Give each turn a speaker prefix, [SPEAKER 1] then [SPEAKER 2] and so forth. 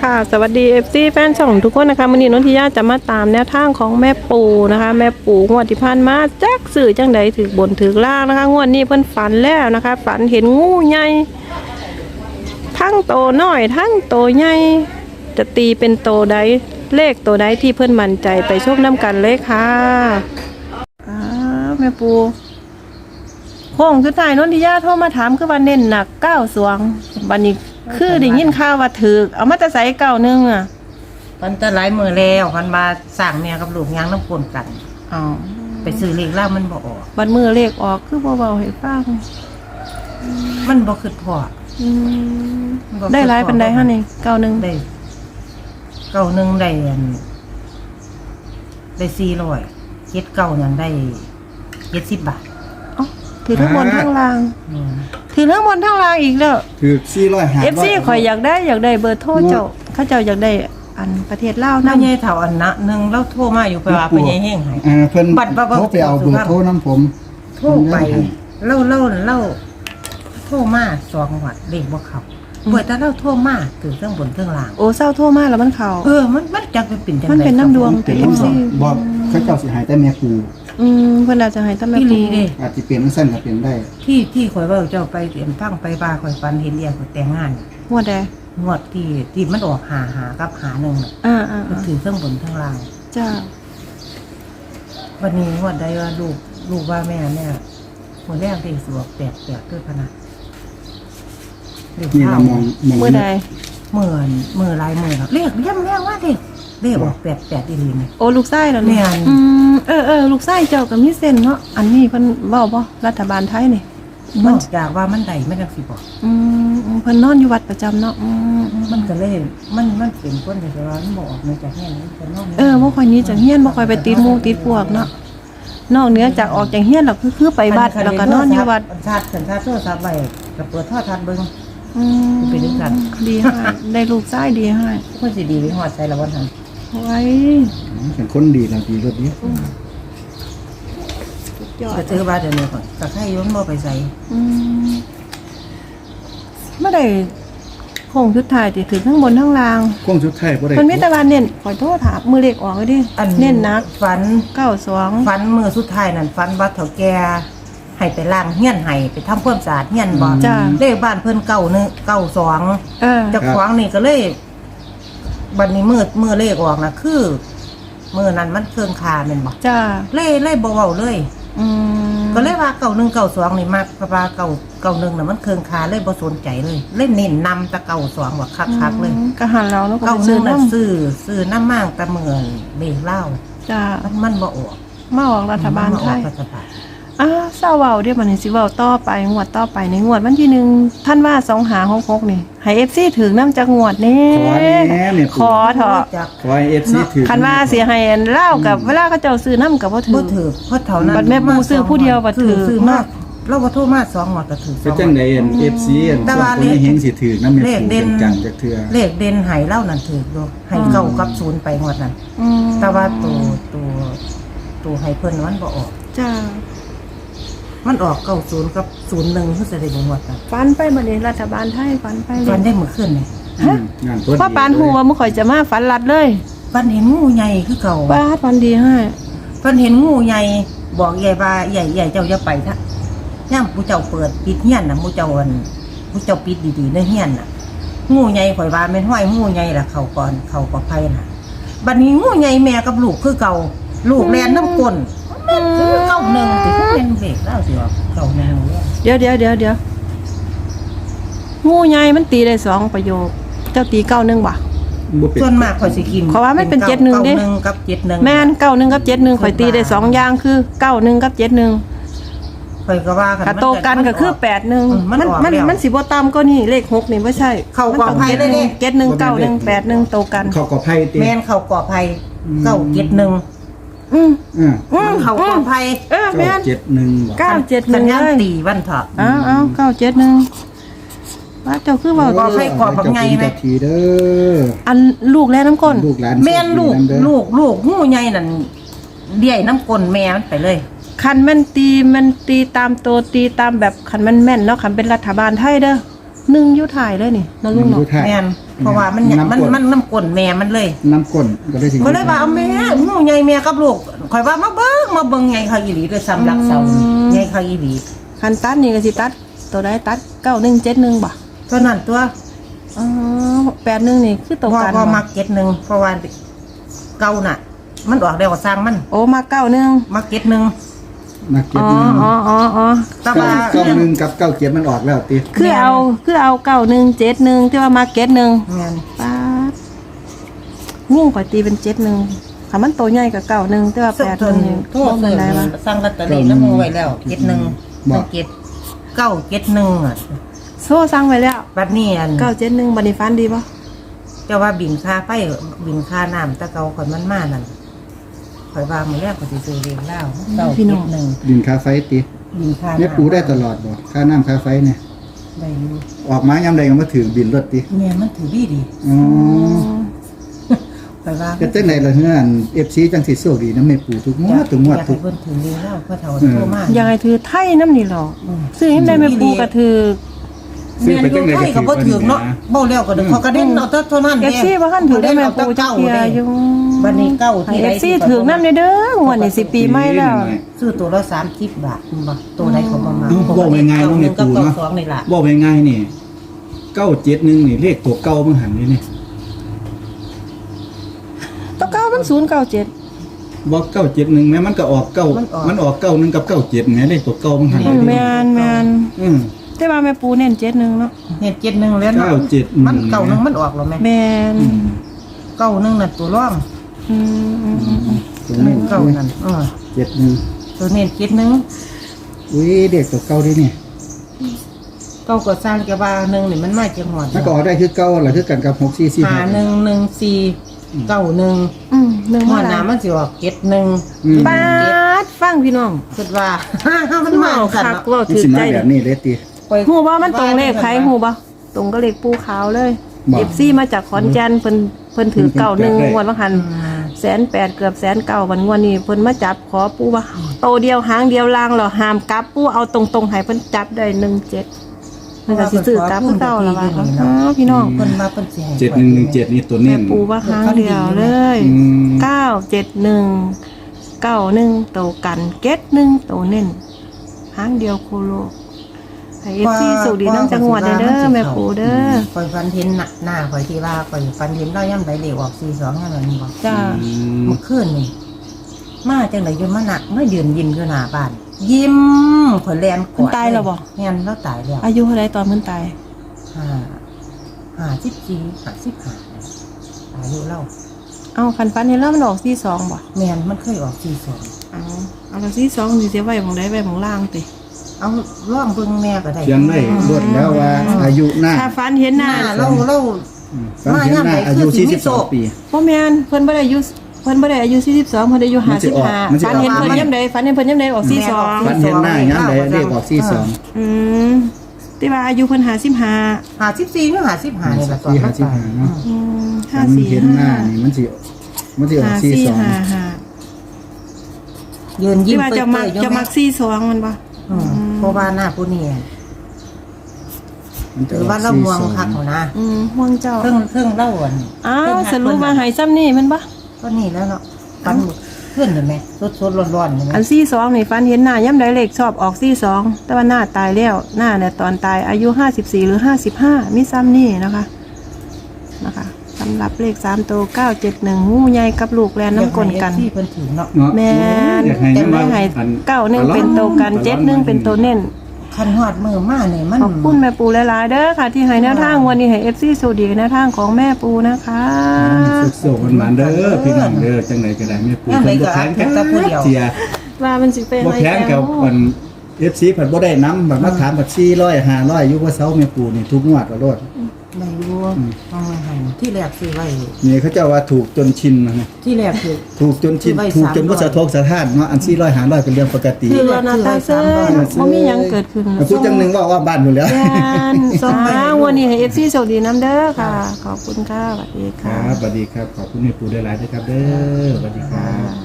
[SPEAKER 1] ค่ะสวัสดี FC แฟนช่องทุกคนนะคะวันนี้นนทิยาจะมาตามแนวทางของแม่ปูนะคะแม่ปูงวดที่ผ่านมาจักสื่อจังใดถือบนถือล่างนะคะงวดนี้เพิ่นฝันแล้วนะคะฝันเห็นงูใหญ่ทั้งโตน้อยทั้งโตใหญ่จะตีเป็นโตใดเลขโตใดที่เพิ่นมั่นใจไปชมน้ำกันเลยค่ะแม่ปูโค้งสุดท้ายนนทิยาโทรมาถามคือว่าเน้นหนัก9 สวงบัดนี้คือได้ยินข่าวว่าถือเอามาแต่ใส่91อ่ะ
[SPEAKER 2] มันจะหลายมือแล้วมันมาสั่งเมียกับลูกยางน้ำปนกัน
[SPEAKER 1] อ๋อ
[SPEAKER 2] ไปซื้อเลขแล้วมันบ่ออก
[SPEAKER 1] บัดมือเลขออกคือบ่เว้าให้ฟัง
[SPEAKER 2] มันบ่คือพอ
[SPEAKER 1] ได้หลายปานใดฮะนี่91
[SPEAKER 2] ได้91ได้400 79นั่นได้70 บาท
[SPEAKER 1] อ๋อถือทั้งบนทั้งล่างถือทั้งบนทั้งล่างอีกแล้ว
[SPEAKER 3] ถือ400
[SPEAKER 1] FC ข่อยอยากได้เบอร์โทรเจ้าเขาเจ้าอยากได้อันประเทศลาวนำ
[SPEAKER 2] ใหญ่เฒ่าอันนะนึงแล้วโทรมาอยู่ไปว่าไปใหญ่แห้งให้
[SPEAKER 3] เพิ่นโทรไปเอาเบอร์โทรนำผม
[SPEAKER 2] โทรไปเล่าโทรมา2 วัดเลขบ่เข้าบ่แต่เราโทรมาถึงเครื่องบนเครื่องล่าง
[SPEAKER 1] โอ้เศร้าโทรมาแล้วมันเข้า
[SPEAKER 2] มันจักไปเป็นจังได๋
[SPEAKER 1] มันเป็นน้ำดวง
[SPEAKER 3] เป็นFCบ่เขาเจ้าสิหายแต่แม่ปู
[SPEAKER 1] เพิ่นอาจจะให้ตำแหน่ง
[SPEAKER 2] ปู
[SPEAKER 3] อาจสิเป็นซั่นก็เป็นได้
[SPEAKER 2] ที่ข่อยเว้าเจ้าไปเตรียมฟังไปว่าข่อยฝันเห็นเรียกข่อยแต่งงาน
[SPEAKER 1] งวดใด
[SPEAKER 2] งวดที่มันออกหากับหา1น่ะก็ถือเครื่องบนเครื่องล่าง
[SPEAKER 1] จ้า
[SPEAKER 2] วันนี้งวดใดว่าลูกว่าแม่หัวแรกเด็กสวกแตกด้วยพนัก
[SPEAKER 3] นี่เรามอง
[SPEAKER 1] มื้อใด
[SPEAKER 2] มื้อลายมื้อครับเลขย่ำแรงว่าเลขออก88อีหลีนี่
[SPEAKER 1] โอ้ลูกชายเหรอเนี่ยลูกชายเจ้าก็มีเส้นเนาะอันนี้เพิ่นเว้าบ่รัฐบาลไทยนี่
[SPEAKER 2] มันจากว่ามันได้มันจังสิบ่
[SPEAKER 1] เพิ่นนอนอยู่วัดประจำเนาะ
[SPEAKER 2] มันก็เลยมันเป็นคนที่ว่ามันบ่ออกมาจากแห่งนี้ก็นอน
[SPEAKER 1] บ่ค่อยนี้จากเฮียนบ่ค่อยไปติดหมู่ติดพวกเนาะนอกเหนือจากออกจากเฮียนแล้วคือไปวัดแล้วก็นอนอยู่วัด
[SPEAKER 2] ชาติโทรศัพท์ไว้ก็เปิดโทรทัศน์เบิ่งเป็นจังซั่น
[SPEAKER 1] ดีให้ได้ลูกชายดีให้
[SPEAKER 2] คนสิดีไปฮอดใส่ละวันนั้น
[SPEAKER 1] ไว้
[SPEAKER 3] เป็นคนดีแล้วดีรถนี้
[SPEAKER 2] ก็ถือว่าเดี๋ยวนี้ก็ใครย้อนบ่ไปใส่
[SPEAKER 1] บ่ได้โค้งสุดท้ายที่ถึงทั้งบนทั้งล่าง
[SPEAKER 3] โค้งสุดท้ายบ่ได้
[SPEAKER 1] มันมีแต่ว่าเน้นขอโทษถามมือเลขออกเลยดิเน้นนัก
[SPEAKER 2] ฝัน
[SPEAKER 1] 92
[SPEAKER 2] ฝันมื้อสุดท้ายนั่นฝันว่าเฒ่าแก่ให้ไปล้างเฮียนให้ไปทำความสะอาดเฮียนบ่เลขบ้านเพิ่น92เจ้าของนี่ก็เลยบัดนี้มื้อเลขออกน่ะคือมื้อนั้นมันเครื่องคาแม่นบ่
[SPEAKER 1] จ้า
[SPEAKER 2] เลยบ่เว้าเลยก็เลยว่า9192นี่มากเพราะว่า991น่ะมันเครื่องคาเลยบ่สนใจเลยเล่นเน้นนำแต่92ว่าคักๆเลย
[SPEAKER 1] ก็หันเราแล้วก็
[SPEAKER 2] ซื้อน่ะซื้อน้ำมากแต่เหมือนเลขเล่า
[SPEAKER 1] จ้า
[SPEAKER 2] มันบ่ออก
[SPEAKER 1] มาออกรัฐบาลไทยเศร้าเว้าเดี๋ยวมันสิเว้าต่อไปงวดต่อไปในงวดวันที่1ท่านว่า2566นี่ให้ FC ถึงนำจักงวดแน่ขอเถาะ
[SPEAKER 3] ขอให้ FC ถึง
[SPEAKER 1] คันว่าสิให้เล่ากับเวลาเขาเจ้าซื้อนำก็บ่ถึง
[SPEAKER 2] เพราะเท่านั้น
[SPEAKER 1] บัดแม่ปูซื้อผู้เดียวบ่ถือ
[SPEAKER 2] ซื้อมากเราบ่โทรมา2งวดก็ถือ
[SPEAKER 3] เป็นจังได๋ FC คนนี้เฮงสิถึงนำแม่ปูจังจักเทื่อ
[SPEAKER 2] เลขเด่นให้เล่านั่นถืออยู่ให้9กับ0ไปงวดนั้นแต่ว่าตัวให้เพิ่นมันบ่ออก
[SPEAKER 1] จ้า
[SPEAKER 2] มันออก90กับ01คือสิได้บ่งวดนั้น
[SPEAKER 1] ฟันไปบัดนี้รัฐบาลไทยฟันไป
[SPEAKER 2] ฟันได้มื้อคืนนี่
[SPEAKER 1] เพราะปานฮู้ว่ามื้อข่อยจะมาฟันลัดเลย
[SPEAKER 2] ฟันเห็นงูใหญ่คือเก่า
[SPEAKER 1] บาดฟันดีให้
[SPEAKER 2] ฟันเห็นงูใหญ่บอกใหญ่ว่าใหญ่เจ้าอย่าไปซะย่ามผู้เจ้าเปิดปิดเฮียนน่ะผู้เจ้าปิดดีๆในเฮียนน่ะงูใหญ่ข่อยว่าแม่นห้อยงูใหญ่ล่ะเข้าก่อนเข้าปลอดภัยน่ะบัดนี้งูใหญ่แม่กับลูกคือเก่าลูกแล่นน้ำก้น91ติเป็นเบรกแล้วสิว่า91
[SPEAKER 1] เดี๋ยวงูใหญ่มันตีได้2ประโยคเจ้าตี91บ่
[SPEAKER 2] ส่วนมากข่อยสิกิน
[SPEAKER 1] เพราะว่ามันเป็น71เด้
[SPEAKER 2] 91กับ71
[SPEAKER 1] แม่น91กับ71ข่อยตีได้2อย่างคือ91กับ71
[SPEAKER 2] ข่อยก็ว่า
[SPEAKER 1] กันโตกันก็คือ81มันสิบ่ต่ำกว่านี้เลข6นี่บ่ใช่
[SPEAKER 2] เข้ากอไผ่ได้
[SPEAKER 1] 71 91 81โตกัน
[SPEAKER 3] เข้ากอไผ่ติ
[SPEAKER 2] แม่นเข้ากอไผ่971เขาปลอดภัย
[SPEAKER 1] แม่น
[SPEAKER 3] 971
[SPEAKER 1] 971
[SPEAKER 2] ตีวันเถาะ
[SPEAKER 1] 971ว่าเจ้าคือว่า
[SPEAKER 2] ปลอดภัยกว่าบักไงไหม
[SPEAKER 1] อันลูกแล้วน้ำก้น
[SPEAKER 2] แม่นลูกงูใหญ่นั่นเดี่ยน้ำก้นแม่มันไปเลย
[SPEAKER 1] คันมันตีตามตัวตีตามแบบคันมันแม่นเนาะคันเป็นรัฐบาลไทยเด้อ1อยู่ถ่ายเลยนี่น้องลุงเนาะ
[SPEAKER 2] แม่นเพราะว่ามันน้ำก้นแม่มันเลย
[SPEAKER 3] น้ำก้นก็ได้สิ
[SPEAKER 2] ก็เลยว่าเอาแม่งูใหญ่แม่กับลูกข่อยว่ามาเบิ่งใหญ่เขาอีหลีด้วยซ้ำรักเสาใหญ่เขาอีหลี
[SPEAKER 1] คันตัดนี่ก็สิตัดตัวใดตัด9171บ่
[SPEAKER 2] เท่านั้นตัว
[SPEAKER 1] อ๋อ81นี่คือตัวกัน
[SPEAKER 2] พอมักเก็ตหนึ่งเพราะว่าเก่าน่ะ มันออกได้ก็สร้างมัน
[SPEAKER 1] โอ้มา91
[SPEAKER 2] มักเก็ตหนึ่ง
[SPEAKER 3] นักเก็
[SPEAKER 1] อ๋
[SPEAKER 3] บ
[SPEAKER 1] อ
[SPEAKER 3] นึง
[SPEAKER 1] อ๋อ
[SPEAKER 2] แต่ว่า
[SPEAKER 3] เก้าหนึ่งกับเก้าเจ็ดมันออกแล้วติ
[SPEAKER 1] คือเอา9171ที่ว่ามาเก็ต1
[SPEAKER 2] เงิน
[SPEAKER 1] ป๊าดงูข่อยตีเป็น71ถ้ามันโตใหญ่ก็91แต่ว่า
[SPEAKER 2] สุดทน
[SPEAKER 1] 81นี่
[SPEAKER 2] โท
[SPEAKER 1] บ่
[SPEAKER 2] ษ
[SPEAKER 1] เป็
[SPEAKER 2] เล
[SPEAKER 1] นไร
[SPEAKER 2] ยว
[SPEAKER 1] ะ
[SPEAKER 2] สร้างลอตเตอรี่น้ำมูไว้แล้วเก็ตหนึ่งมันเก็ตเก้าเก็ตหนึ่งอ่ะ
[SPEAKER 1] โซ่สั่งไว้แล้ว
[SPEAKER 2] บัดนี้อัน
[SPEAKER 1] 971บัดนี้ฟันดีบ่
[SPEAKER 2] เจ้าว่าบินค่าไฟบินค่าน้ำตะเกาข่อยมันมานั่นข่อยว่ามื้อแรกข่อยสิซื้อเรียงเล่าเก้าเก็ตหนึ่ง
[SPEAKER 3] ดินค่าไฟติ
[SPEAKER 2] บินค่า
[SPEAKER 3] แม่
[SPEAKER 2] น้ำ
[SPEAKER 3] ปูได้ตลอดบ่ค่าน้ำค่าไฟเนี่ย
[SPEAKER 2] ได้อยู่
[SPEAKER 3] ออกมายามใดก็มาถือบินรถติ
[SPEAKER 2] แม่มันถือดี
[SPEAKER 3] อ๋อ
[SPEAKER 2] ข่อยว่า
[SPEAKER 3] ก็จังได๋ล่ะเฮือน FC จังสิโชคดีนำแม่ปูทุกงวดทุกงวด
[SPEAKER 2] อยาก
[SPEAKER 3] ทุ
[SPEAKER 2] ให้
[SPEAKER 3] ก
[SPEAKER 2] เพิ่นถือเรียงเล่าเพราะเฒ่าโทรมา
[SPEAKER 1] อยากให้ถือไทยน้ำนี่หรอซื้อให้ได้แม่ปูก็ถือ
[SPEAKER 3] ซื้อไปจังได๋
[SPEAKER 2] ไทยก็บ่ถึงเนาะเบ้าแล้วก็เด้อเขาก็เด่นเอาเท่านั้น
[SPEAKER 1] เอฟซีบ่คันถือได้แม่ปูจักเทียอยู่
[SPEAKER 2] บัดนี้เก้าที่
[SPEAKER 1] เอฟซีถือน้ำเด้อวันนี้10 ปีใหม่แล้ว
[SPEAKER 2] ซื้อตัวละ30 บาทบ่ตัวใดเขาบ่มา
[SPEAKER 3] บอกง่ายๆเนาะแม่ปูเนาะ
[SPEAKER 2] 2นี่ล่ะ
[SPEAKER 3] บอกง่ายๆนี่971นี่เลขตัวเก่ามันหันนี่นี่
[SPEAKER 1] ตัวเก่ามัน097
[SPEAKER 3] บอก971แม้มันก็ออกเก้ามันออก91กับ97แหมเลขตัวเก่ามันหัน
[SPEAKER 1] แม่น
[SPEAKER 3] อือ
[SPEAKER 1] แต่ว่าแม่ปูเน้น71เนาะ
[SPEAKER 2] เฮ็ด71แล้วเนาะ
[SPEAKER 3] 971
[SPEAKER 2] มันเก่านึงมันออกแล้วแม่
[SPEAKER 1] แม่น
[SPEAKER 2] เก่านึงน่ะตัวร่อง
[SPEAKER 1] อืม
[SPEAKER 3] ตัวนี้
[SPEAKER 2] เก่านั่น
[SPEAKER 3] 71
[SPEAKER 2] ตัวนี้71
[SPEAKER 3] อุ้ยเด็กตัวเก่าดินี่
[SPEAKER 2] เก่าก็สร้างแกว่านึงนี่มันมาจังหวัด
[SPEAKER 3] มันก็ออกได้คือเก่าล่ะคือกันกับ6445
[SPEAKER 2] 5114 91
[SPEAKER 1] 1
[SPEAKER 2] หั
[SPEAKER 1] มาว
[SPEAKER 2] หน้า
[SPEAKER 1] แล้ว
[SPEAKER 2] มันสิออก71
[SPEAKER 1] ปาดฟังพี่น้อง
[SPEAKER 2] คิดว่า มันมา
[SPEAKER 1] คั
[SPEAKER 2] สั่น
[SPEAKER 1] ก
[SPEAKER 2] เนาะ
[SPEAKER 1] ว่า
[SPEAKER 3] มัน
[SPEAKER 1] ถือ
[SPEAKER 3] สิ
[SPEAKER 1] ใจ
[SPEAKER 3] มาแบบนี้เลยติ
[SPEAKER 1] ฮู้บ่มันตรงเลขไผฮู้บ่ตรงกับเลขปูขาวเลย
[SPEAKER 3] บ่
[SPEAKER 1] FC มาจากขอนแก่นเพิ่นถือเก่า1งวดว่าหัน 180,000เกือบ109,000วันงวดนี้เพิ่นมาจับขอปูว่าโตเดียวหางเดียวลางเหรอห้ามกลับปูเอาตรงๆให้เพิ่นจับได้17มันก็สิซื้อกลับคือเก่าล่ะว่าอ๋อพี่น้อง
[SPEAKER 2] เพิ่นมาเพิ่นสิให้
[SPEAKER 3] 7117นี่ตัว
[SPEAKER 1] แม่
[SPEAKER 3] เน้น
[SPEAKER 1] ปูว่าหางเดียวเลย
[SPEAKER 3] อืม
[SPEAKER 1] 971 91โตกันเก็ต1โตเน้นหางเดียวโคโลให้ FC สุขดีน้ำจังหวัดเด้อแม่ปูเด้อ
[SPEAKER 2] ข่อยฟันเห็นหน้าข่อยที่ว่าข่อยฟันเห็นเราย่ำใดเหลวออก42ย่ำนั้นบ่
[SPEAKER 1] จ้า
[SPEAKER 2] เมื่อคืนนี่มาจังได๋อยู่มาหนักมายืนยิ้มอยู่หน้าบ้าน ยิ้มข่อยแลนกอดแม่นแล้วตายแล้ว
[SPEAKER 1] อายุเท่าไรตอนเพิ่นตาย
[SPEAKER 2] 54 55อายุเรา
[SPEAKER 1] เอาคันฟันเห็นแล้วมันออก42บ่
[SPEAKER 2] แม่นมันเคยออก42
[SPEAKER 1] เอาแล้ว42สิเสียไว้หม่องใดไว้หม่องล่างติ
[SPEAKER 2] เอาร่องเบิ่งแม่ก็ได้
[SPEAKER 3] เขียนได้รวดแล้วว่าอายุหน้า
[SPEAKER 1] ถ้าฟันเห็นห
[SPEAKER 2] ห
[SPEAKER 1] น้า
[SPEAKER 2] น้าเรา
[SPEAKER 3] ฟันเห็นหน้าอายุ42ปี
[SPEAKER 1] บ่แม่นเพิ่นบ่ได้อายุ42เพิ่นได้อายุ
[SPEAKER 3] มันสิออกมันสิ
[SPEAKER 1] 55
[SPEAKER 3] อ
[SPEAKER 1] ฟั
[SPEAKER 3] อน ก
[SPEAKER 1] เห็นเพิ่นยามใดฟันเห็นเพิ่นยามใดออก
[SPEAKER 3] ฟันเห็นหน้าย้ำใดเลขออก42
[SPEAKER 1] อืมแต่ว่าอายุเพิ่น55
[SPEAKER 2] 54หรือ55นี่ล่ะตอนมันตาย
[SPEAKER 3] เนาะ
[SPEAKER 1] อืม
[SPEAKER 3] ฟันเห็นหน้านี่มันสิออก42
[SPEAKER 1] 54
[SPEAKER 2] ยืนยิ้
[SPEAKER 1] ที่
[SPEAKER 2] ม
[SPEAKER 1] ว่า
[SPEAKER 2] เปื่
[SPEAKER 1] จะมัก
[SPEAKER 2] อยๆอยู่
[SPEAKER 1] จะมัก42มันบ่
[SPEAKER 2] เพราะว่าหน้าผู้นี้
[SPEAKER 3] มันจะ
[SPEAKER 2] ถือว่าเรามวงคักเขานะ
[SPEAKER 1] ห่วงเจ้า
[SPEAKER 2] เครื่องเล่าอ่อน
[SPEAKER 1] อ้าวสรุปว่าให้ซ้ำนี่แมันบ่
[SPEAKER 2] ก็นี่แล้วเนาะฟันเพื่อนเห็นไหมสดร้อนๆเห็นไหม
[SPEAKER 1] อัน42นี่ฟันเห็นหน้าย่ำใดเลขชอบออก42แต่ว่าหน้าตายแล้วหน้าเนี่ยตอนตายอายุ54หรือ55มีซ้ำนี่นะคะสำหรับเลข3ตัว971งูใหญ่กับลูกแลนน้ำกลนกัน
[SPEAKER 2] ที่เพิ่นถือเนาะ
[SPEAKER 1] แม่น
[SPEAKER 3] อยากให้
[SPEAKER 1] แต่ไม่ให้91เป็นตัวกัน71เป็นตัวเน้น
[SPEAKER 2] คันหอดมือมาเนี่ยมัน
[SPEAKER 1] ขอบคุณแม่ปูหลายๆเด้อค่ะ ที่ให้แนวทางวันนี้ให้ FC สูดีแนวทางของแม่ปูนะคะ
[SPEAKER 3] สุขๆมันเด้อพี่น้องเด้อจังไดก็ได้แม่ปู่
[SPEAKER 2] ยังไง
[SPEAKER 3] เพิ่น
[SPEAKER 2] ก็
[SPEAKER 3] บ่แข็ง
[SPEAKER 2] แค่ตะผู้เดียว
[SPEAKER 3] เสีย
[SPEAKER 1] ว่ามันสิเป็น
[SPEAKER 3] บ่
[SPEAKER 1] อะไร
[SPEAKER 3] แข็งกับอัน FC เพิ่นบ่ได้นำบัดมาถามบัด400 500อยู่ว่าเซาแม่ปู่นี่ทุกงวดก็โลด
[SPEAKER 2] ไม่รู้เอามาให้ที่แรกซื้อไว้
[SPEAKER 3] นี่เขาเจ้าว่าถูกจนชินนะ
[SPEAKER 2] ที่แรกคือ
[SPEAKER 3] ถูกจนชิน
[SPEAKER 2] ซื้อไว้
[SPEAKER 3] ถูกจนบ่
[SPEAKER 2] 300
[SPEAKER 3] สะทกสะท้านเนาะอัน400 500เป็นเรื่องปกติ
[SPEAKER 1] คือเรานาตาเซ่บ่มีหยังเกิดขึ้น
[SPEAKER 3] พูดจังหนึงว่าบ้านอยู่แล้ว
[SPEAKER 1] แม่นส่งมาวันนี้ให้ FC โชคดีน้ำเด้อค่ะ ขอบคุณค่ะสวัสดี
[SPEAKER 3] ค
[SPEAKER 1] ค่ะ
[SPEAKER 3] รับสวัสดีครับขอบคุณแม่ปู่หลายๆด้วยครับเด้อสวัสดีครับ